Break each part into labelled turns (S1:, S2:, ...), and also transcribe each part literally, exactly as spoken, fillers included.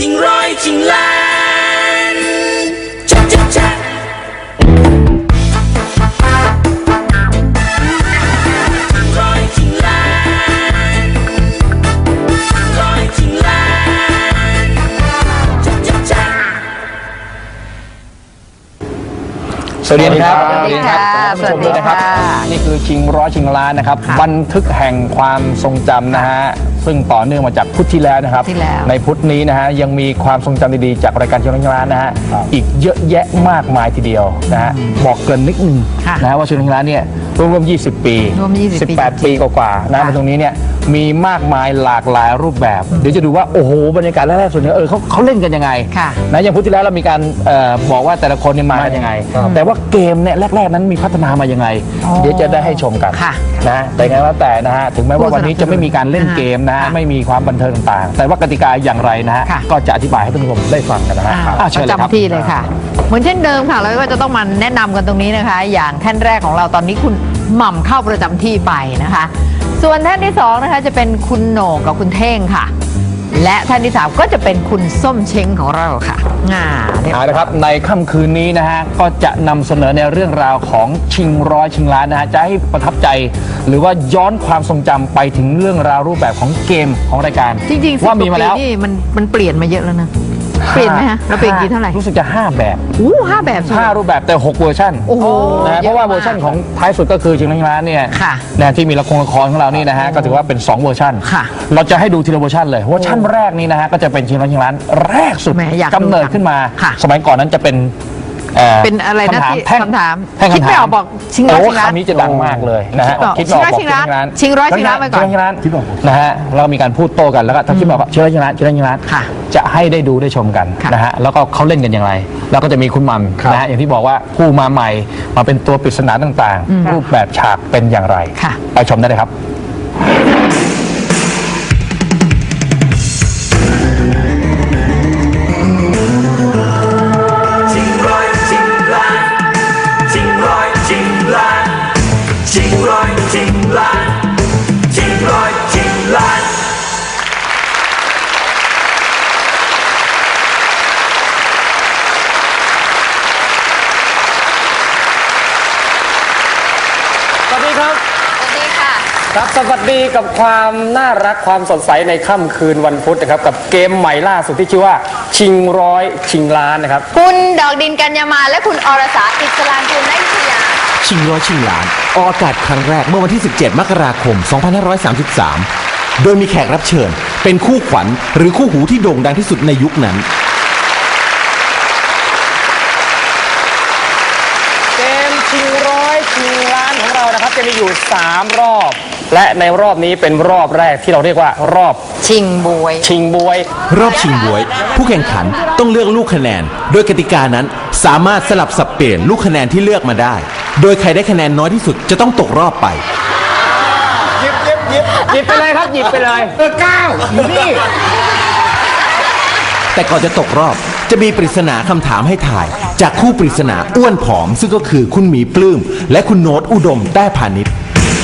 S1: ชิงร้อยชิงล้านชักชักชักชิงร้อยชิงล้านร้อยชิงล้านชักชักชัก
S2: สวัสดีครับ
S3: สวัสดีค่ะ
S2: ท่านผู้ชมด้วยนะครับ
S3: สวัสดีค่ะ
S2: นี่คือชิงร้อยชิงล้านนะครับ
S3: ค่ะ
S2: บันทึกแห่งความทรงจำนะฮะซึ่งต่อเนื่องมาจากพุธที่แล้วนะครับ
S3: ที่แล้ว
S2: ในพุธนี้นะฮะยังมีความทรงจำดีๆจากรายการชิงร้อยชิงล้านนะฮะอีกเยอะแยะมากมายทีเดียวนะฮะบอกเกริ่นนิดนึง
S3: ค่ะ
S2: นะฮะว่าชิงร้อยชิงล้านเนี่ยรวมๆยี่สิบปี
S3: รวมยี่สิบปี
S2: สิบแปดปีกว่าๆนะ
S3: ค่ะ
S2: มาตรงนี้เนี่ยมีมากมายหลากหลายรูปแบบ เดี๋ยวจะดูว่าโอ้โหบรรยากาศแรกๆส่วนใหญ่เออเขาเขาเล่นกันยังไง
S3: ค่ะ
S2: นะอย่างพุธที่แล้วเรามีการเอ่อบอกว่าแต่ละคนเนี่ยมากันยังไง แต่ว่าเกมเนี่ยแรกๆนั้นมีพัฒนามายังไง
S3: อ๋อ
S2: เดี๋ยวจะได้ให้ชมกัน
S3: ค่ะ
S2: นะแต่ไงว่าแต่นะฮะถึงแม้ว่าวันนี้จะไม่มีการเล่นเกมนะฮะ
S3: ค่ะ
S2: ไม่มีความบันเทิงต่างๆ แต่ว่ากติกาอย่างไรนะฮะ
S3: ค่ะ
S2: ก็จะอธิบายให้ท่านผู้ชมได้ฟังกันนะฮะ
S3: อ่า
S2: อ่ะเชิญเลยครับ
S3: ประจำที่เลยค่ะ เหมือนเช่นเดิมค่ะเราก็จะต้องมาแนะนำกันตรงนี้นะคะ อย่างท่านแรกของเราตอนนี้คุณหม่ำเข้าประจำที่ไปนะคะ ส่วนท่านที่สองนะคะจะเป็นคุณโหน่งกับคุณเท่งค่ะ และท่านที่สามก็จะเป็นคุณส้มเช้งของเราค่ะงาเรียบร้
S2: เอา
S3: อย
S2: ละครับในค่ำคืนนี้นะฮะก็จะนำเสนอในเรื่องราวของชิงร้อยชิงล้านนะฮะจะให้ประทับใจ หรือว่าย้อนความทรงจำไปถึงเรื่องราวรูปแบบของเกมของรายการ
S3: จริงๆสิบ
S2: ว่ามีมาแล้ว
S3: กปีนี่มันมันเปลี่ยนมาเยอะแล้วนะเปลี่ยนไหมฮะเราเปลี่ยนกี่เท่าไหร่
S2: รู้สึกจะห้าแบบ
S3: อู้ห้าแบบใช่ไหม
S2: ห้ารูปแบบแต่หกเวอร์ชัน
S3: โอ้โห
S2: นะฮะเพราะว่าเวอร์ชันของท้ายสุดก็คือชิงร้อยชิงล้านเนี่ย
S3: ค่ะ
S2: นะที่มีละครละครของเรานี่นะฮะก็ถือว่าเป็นสองเวอร์ชัน
S3: ค่ะ
S2: เราจะให้ดูทีละเวอร์ชันเลยเวอร์ชันแรกนี้นะฮะก็จะเป็นชิงร้อยชิงล้านแรกสุด
S3: แหมอยากดู
S2: กำเนิดขึ้นมา
S3: ค่ะ
S2: สมัยก่อนนั้นจะเป็นเอ่อ
S3: เป็นอะไรนะ
S2: คำถาม
S3: ที่
S2: แท่ง
S3: คำถาม
S2: แท่ง
S3: คิด
S2: คำถาม
S3: ไม่ออกบอกชิงร้อย
S2: โอ้
S3: ชิงล้าน
S2: คำนี้จะดังมากเลยนะฮะ
S3: คิดไม่ออก
S2: คิดไม่ออกบอก
S3: ชิงร้อยชิงล้านชิงร้อยชิงล้านไปก่อน
S2: ชิงร้อยชิงล้านนะฮะเรามีการพูดโต้กันแล้วก็ถ้าคิดไม่ออกก็ชิงร้อยชิงล้านชิงร้อยชิงล้าน
S3: ค่ะ
S2: จะให้ได้ดูได้ชมกัน
S3: ค่ะ
S2: นะฮะแล้วก็เขาเล่นกันอย่างไร แล้วก็จะมีคุณหมัมนะฮะอย่างที่บอกว่าผู้มาใหม่มาเป็นตัวปริศนาต่างๆ รูปแบบฉากเป็นอย่างไร
S3: ค่ะ
S2: ไปชมได้เลยครับ
S1: ชิงร้อยชิงล้านชิงร้อยชิงล้านชิงร้อยชิงล้านชิงร้อยชิงล้าน
S4: สวัสดีครับ
S3: สวัสดีค่ะ
S4: ครับสวัสดีกับความน่ารักความสดใสในค่ำคืนวันพุธนะครับกับเกมใหม่ล่าสุดที่ชื่อว่าชิงร้อยชิงล้านนะครับ
S3: คุณดอกดินกัญญามาและคุณอรสาอิสลามกุลนักวิทยา
S5: ชิงร้อยชิงล้านออกอากาศครั้งแรกเมื่อวันที่ สิบเจ็ด มกราคม สองพันห้าร้อยสามสิบสาม โดยมีแขกรับเชิญเป็นคู่ขวัญหรือคู่หูที่โด่งดังที่สุดในยุคนั้น
S4: เกมชิงร้อยชิงล้านของเรานะครับจะมีอยู่สามรอบ และในรอบนี้เป็นรอบแรกที่เราเรียกว่ารอบ
S3: ชิงบวย
S4: ชิงบวย
S5: รอบชิงบวย ผู้แข่งขันต้องเลือกลูกคะแนน โดยกติกานั้นสามารถสลับสับเปลี่ยนลูกคะแนนที่เลือกมาได้ โดยใครได้คะแนนน้อยที่สุดจะต้องตกรอบไป
S4: หยิบหยิบหยิบหยิบไปเลยครับหยิบไปเลยเออเก้าอยู่นี่
S5: แต่ก่อนจะตกรอบจะมีปริศนาคำถามให้ถ่าย จากคู่ปริศนาอ้วนผอม ซึ่งก็คือคุณหมีปลื้มและคุณโน้ตอุดมแต้พาณิชย์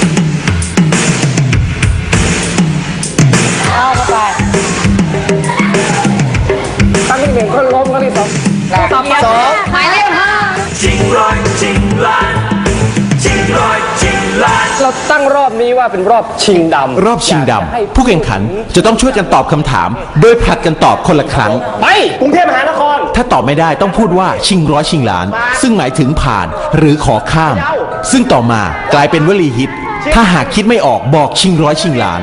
S4: ครั้งที่หนึ่งก็ล้มครั้งที่สองสองสอง
S3: หมายเลขห้า
S1: ชิงร้อยชิงล้านชิงร้อยชิงล้าน
S4: เราตั้งรอบนี้ว่าเป็นรอบชิงดำ
S5: รอบชิงด
S4: ยากจะให้
S5: ำผู้แข่งขันจะต้องช่วยกันตอบคำถาม โดยผลัดกันตอบคนละครั้ง
S4: ไปกรุงเทพมหานคร
S5: ถ้าตอบไม่ได้ต้องพูดว่าชิงร้อยชิงล้าน ซึ่งหมายถึงผ่านหรือขอข้าม ซึ่งต่อมากลายเป็นวลีฮิต ถ้าหากคิดไม่ออกบอกชิงร้อยชิงล้าน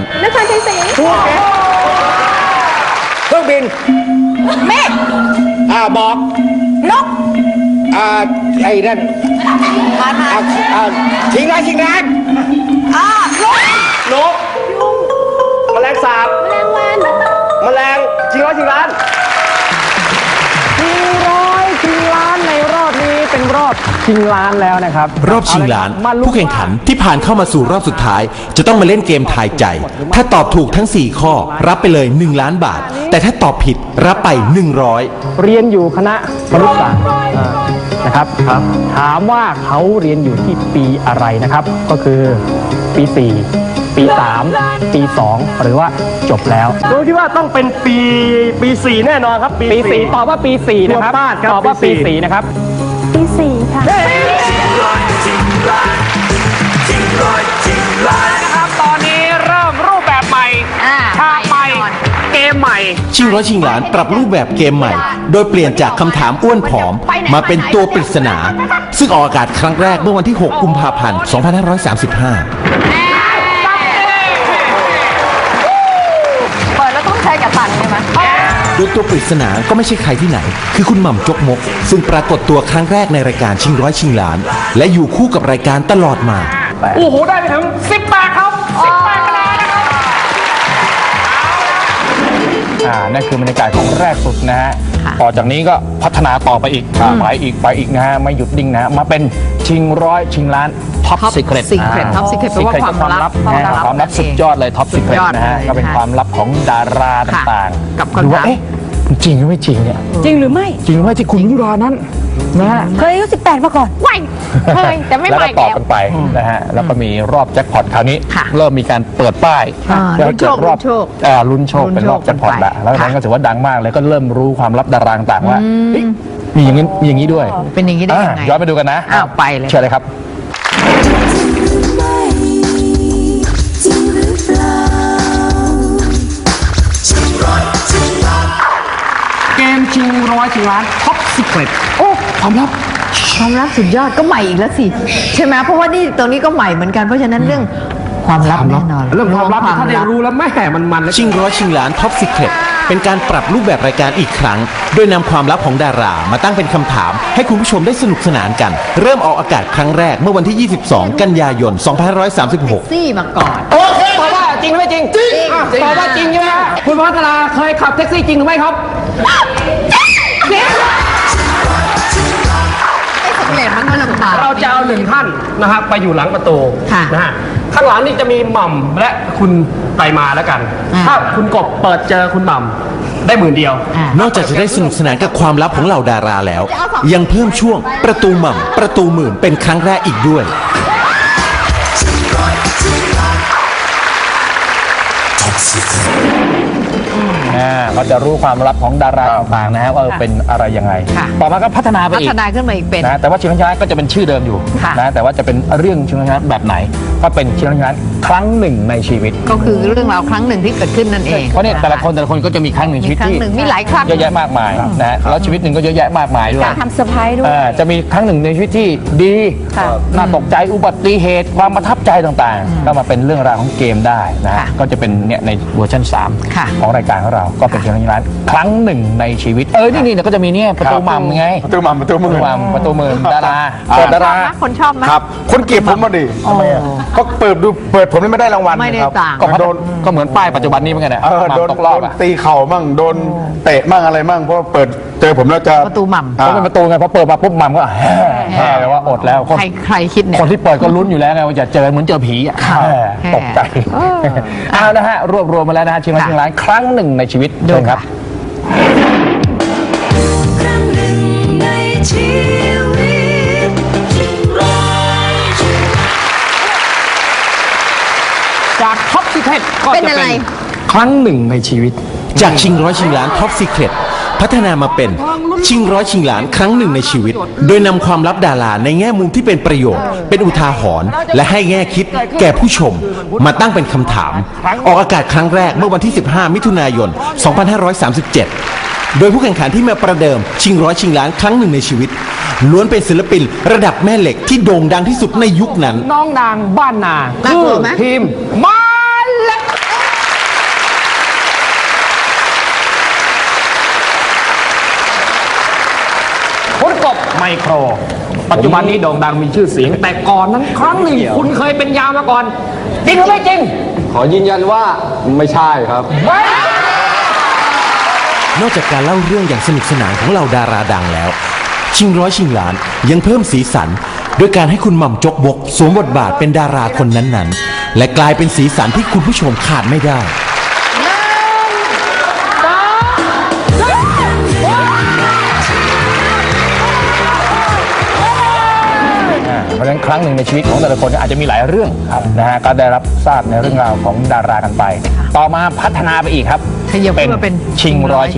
S4: เครื่องบิน
S3: เมฆ
S4: อ่าบอก
S3: นก
S4: อ่าไอ้นั่น
S3: ผ่านมา
S4: อ่าอ่าชิงร้อยชิงล้าน
S3: อ่าลก
S4: นกแมลงสาบแมลงวันแมลงชิงร้อยชิงล้านชิงร้อยชิงล้านในรอบนี้เป็นรอบชิงล้านแล้วนะครับ
S5: รอบชิงล้าน
S4: เอละครับมาลุ้
S5: ผู้แข่งขันที่ผ่านเข้ามาสู่รอบสุดท้าย จะต้องมาเล่นเกมทายใจ ถ้าตอบถูกทั้ง สี่ ข้อ รับไปเลย หนึ่ง ล้านบาท แต่ถ้าตอบผิดรับไป หนึ่งร้อย
S4: เรียนอยู่คณะมนุษยศาสตร์อ่านะครับถามว่าเขาเรียนอยู่ที่ปีอะไรนะครับ ก็คือปีสี่
S2: ปีสามปีสองหรือว่าจบแล้ว
S4: ผมคิดว่าต้องเป็นปีปีสี่แน่นอนครับ
S2: ปีสี่ตอบว่าปีสี่นะครับ
S4: ตัวป้าดครับ
S2: ตอบว่า
S4: ปี
S2: ปี
S4: สี่
S2: สี่นะครับ
S6: ปีสี่ค่ะ
S1: ชิงร้อยชิงล้านชิงร้อยชิงล้าน
S2: นะครับตอนนี้เริ่มรูปแบบใหม่
S3: อ่า
S2: ฉากใหม่
S3: แน่นอน
S2: เกมใหม่
S5: ชิงร้อยชิงล้านปรับรูปแบบเกมใหม่ โดยเปลี่ยนจากคำถามอ้วนผอม มาเป็นตัวปริศนา ซึ่งออกอากาศครั้งแรกเมื่อวันที่ หก กุมภาพันธ์ สองพันห้าร้อยสามสิบห้า
S3: เปิดแล้วต้องใช้กับตันใช่ไหม
S5: โดยตัวปริศนาก็ไม่ใช่ใครที่ไหน คือคุณหม่ำจกมก ซึ่งปรากฏตัวครั้งแรกในรายการชิงร้อยชิงล้าน และอยู่คู่กับรายการตลอดมา
S2: โอ้โห ได้ไปถึงสิบแปดครับสิบแปดคะแนนนะครับอ่านั่นคือบรรยากาศของแรกสุดนะฮะ ต่อจากนี้ก็พัฒนาต่อไปอีกไปอีกไปอีกนะฮะ ไม่หยุดนิ่งนะฮะมาเป็นชิงร้อยชิงล้านท็อป
S3: Top
S2: ซีเครต
S3: Secret Top Secret แปลว่าความลับ
S2: นะฮะความลับสุดยอดเลยท็อปซีเครต
S3: สุดยอด
S2: นะฮะ
S3: เลย
S2: ก็เป็น
S3: ค่ะ
S2: ความลับของดาราต่างๆ
S3: กับคำถาม
S2: ดูว่าเอ๊ะมันจริงหรือไม่จริงเนี่ย
S6: จริงหรือไม่
S2: จริงหรือไม่ที่คุณยุรานั้นนะฮะ
S6: เคยอายุสิบแปดมาก่อน
S3: ไม่เคยแต่ไม่
S2: แล้ว
S3: ให
S2: ก็
S3: ม่
S2: ตอบ
S3: แล้ว
S2: กันไปนะฮะแล้วก็มีรอบแจ็คพอตคราวนี้
S3: ค่ะ
S2: เริ่มมีการเปิดป้าย
S3: อ่า
S2: เพื่อให้เกิดรอบ
S3: ลุ้นโชค
S2: อ่าลุ้นโชค
S3: ลุ้น
S2: เป็นรอบ
S3: โชค
S2: แจ็คพอต
S3: กันไป
S2: ละแล้วนั้น
S3: ค่ะ
S2: ก็ถือว่าดังมากเลยก็เริ่มรู้ความลับดาราต่างๆว่าเฮ้ยมีอย่างนี้มีอย่างนี้ด้วย
S3: เป็นอย่างนี้ได้ยังไง
S2: อ่ะย้อนไปดูกันนะ
S3: อ้าวไปเลย
S2: เชิญเลยครับ เกมชิงร้อยชิงล้านท็อปสิบเอ็ดโอ้ความลับ
S3: ความลับสุดยอดก็ใหม่อีกแล้วสิ ใช่ไหมเพราะว่านี่ตรงนี้ก็ใหม่เหมือนกันเพราะฉะนั้นเรื่องความลับแน่นอน
S4: เรื่องความลับที่ท่านได้รู้แล้วแม่มันมันๆ
S5: ชิงร้อยชิงล้านท็อป Secret เป็นการปรับรูปแบบรายการอีกครั้ง โดยนำความลับของดารามาตั้งเป็นคำถาม ให้คุณผู้ชมได้สนุกสนานกัน เริ่มออกอากาศครั้งแรกเมื่อวันที่ ยี่สิบสอง กันยายน สองพันห้าร้อยสามสิบหก
S3: ซี่มาก่อน
S2: โอเคตอบว่าจริงหรือไม่จริงจริงตอบว่าจริงใช่ไหมฮะคุณพัฒนาเคยขับแท็กซี่จริงหรือไม่ครับ
S3: สำเร็จมันก็ลำบาก
S4: เราจะเอาหนึ่งท่านนะครับไปอยู่หลังประตู
S3: ค่ะ
S4: นะฮะข้างหลังนี่จะมีหม่ำและคุณไปมาแล้วกัน
S3: อ่า
S4: ถ้าคุณกบเปิดเจอคุณหม่ำได้หมื่นเดียว
S3: อ่ะ
S5: นอกจากจะได้สนุกสนานกับความลับของเหล่าดาราแล้ว ยังเพิ่มช่วงประตูหม่ำประตูหมื่นเป็นครั้งแรกอีกด้วย
S2: อ่าเขาจะรู้ความลับของดาราต่างๆนะฮะว่าเออเป็นอะไรยังไง
S3: ค่ะ
S2: ต่อมาก็พัฒนาไป
S3: พั
S2: อี
S3: ฒ
S2: ก
S3: นาขึ้นมาอีกเป็น
S2: นะแต่ว่าชิงร้อยชิงล้านก็จะเป็นชื่อเดิมอยู่
S3: ค่ะ
S2: นะแต่ว่าจะเป็นเรื่องชิงร้อยชิงล้านแบบไหน ก็เป็นชิงร้อยชิงล้านครั้งหนึ่งในชีวิต
S3: ก็คือเรื่องราวครั้งหนึ่งที่เกิดขึ้นนั่นเอง
S2: เพราะเนี่ยแต่ละคนแต่ละคนก็จะมีครั้งหนึ่งชีวิต
S3: มีครั้ง
S2: ที่
S3: หนึ่งมีหลายครั้ง
S2: เยอะแยะมากมายนะฮะแล้วชีวิตหนึ่งก็เยอะแยะมากมายด้วย
S6: ทำเซอร์ไพรส์ด้วย
S2: อ่าจะมีครั้งหนึ่งในชีวิตที่ดี
S6: ค่ะ
S2: น่าตกใจอุบัติเหตุความประทับใจต่างๆ ก็มาเป็นเรื่องราวของเกมได้นะฮะ
S3: ค่ะ
S2: ก็จะเป็นเนี่ยในเวอร์ชันสาม
S3: ค่ะ
S2: ของรายการของเราก็เป็นชิงร้อยชิงล้านครั้งหนึ่งในชีวิตเออนี่นี่เดี๋ยวก็จะมีเนี่ยประตูมัมไง
S7: ประตูหม่ำประตู
S2: ป
S7: มื
S2: ระตู
S7: อ
S2: มัมประตูมือดารา
S7: อ่า
S2: เปิดดารา
S3: คนชอบไหม
S7: ครับ คนเกลียดผมมาดิทำไมอ่ะก็เปิดดูเปิดผมนี่ไม่ได้รางวัล
S3: ไม่ได้
S7: ครับ
S3: ต่าง
S2: ก็
S7: ก็โดน
S2: ก็เหมือนป้ายปัจจุบันนี้เหมือนกันนะ
S7: เออ
S2: มัม
S7: โดน
S2: ตกรอบ
S7: โดน
S2: อ่ะ
S7: ตีเข่ามั่งโดนเตะมั่งอะไรมั่งเพราะเปิดเจอผมแล้วจะ
S3: ประตูหม่ำ
S7: อ่า
S2: เพราะเป็นประตูไงพอเปิดมาปุ๊บมัมก็แห่แห่เลยว่าอดแล้วคน
S3: ใครใครคิดเนี่ย
S2: คนที่เปิดก็ลุ้นอยู่แล้วไงว่าจะเจอเหมือนเจอผีอ่ะ
S3: ค่ะ
S2: แห่
S3: แห่
S2: ตกใจ
S3: เออ
S2: เอานะฮะรวบรวมมาแล้วนะฮะชิงร้อย
S3: ค่ะ
S2: ชิงล้านครั้งหนึ่งในชีวิต
S3: ดู
S2: เชิญครับ
S3: ค่ะ
S1: ครั้งหนึ่งในชีวิตชิงร้อยชิง
S2: จากท็อปสิเก็ก็
S3: เป็น
S2: จะ
S3: อะไร
S2: เป็นครั้งหนึ่งในชีวิต
S5: จากชิงร้อยชิงล้านท็อปซีเครตพัฒนามาเป็นชิงร้อยชิงล้านครั้งหนึ่งในชีวิต โดยนำความลับดาราในแง่มุมที่เป็นประโยชน์ เป็นอุทาหรณ์และให้แง่คิดแก่ผู้ชม มาตั้งเป็นคำถาม ออกอากาศครั้งแรกเมื่อวันที่ สิบห้า มิถุนายน สองพันห้าร้อยสามสิบเจ็ด โดยผู้แข่งขันที่มาประเดิมชิงร้อยชิงล้านครั้งหนึ่งในชีวิต ล้วนเป็นศิลปินระดับแม่เหล็กที่โด่งดังที่สุดในยุคนั้น
S2: น้องนางบ้านนา
S3: น่ากลัวไหม
S2: ทีมมาเล็กคุณกบไมโคร ปัจจุบันนี้โด่งดังมีชื่อเสียง แต่ก่อนนั้นครั้งหนึ่งคุณเคยเป็นยามมาก่อน จริงหรือไม่จริง
S7: ขอยืนยันว่าไม่ใช่ครับ
S5: นอกจากการเล่าเรื่องอย่างสนุกสนานของเหล่าดาราดังแล้ว ชิงร้อยชิงล้านยังเพิ่มสีสันด้วยการให้คุณหม่ำจกบกสวมบทบาทเป็นดาราคนนั้นๆ และกลายเป็นสีสันที่คุณผู้ชมขาดไม่ได้
S2: บรรเพราะฉะนั้นครั้งหนึ่งในชีวิตของแต่ละคนอาจจะมีหลายเรื่องนะฮะก็ได้รับทราบในเรื่องราวของดารากันไป ต่อมาพัฒนาไปอีกครับ
S3: ขยับขึ้นมาเป็น
S2: ชิงร้อยชิง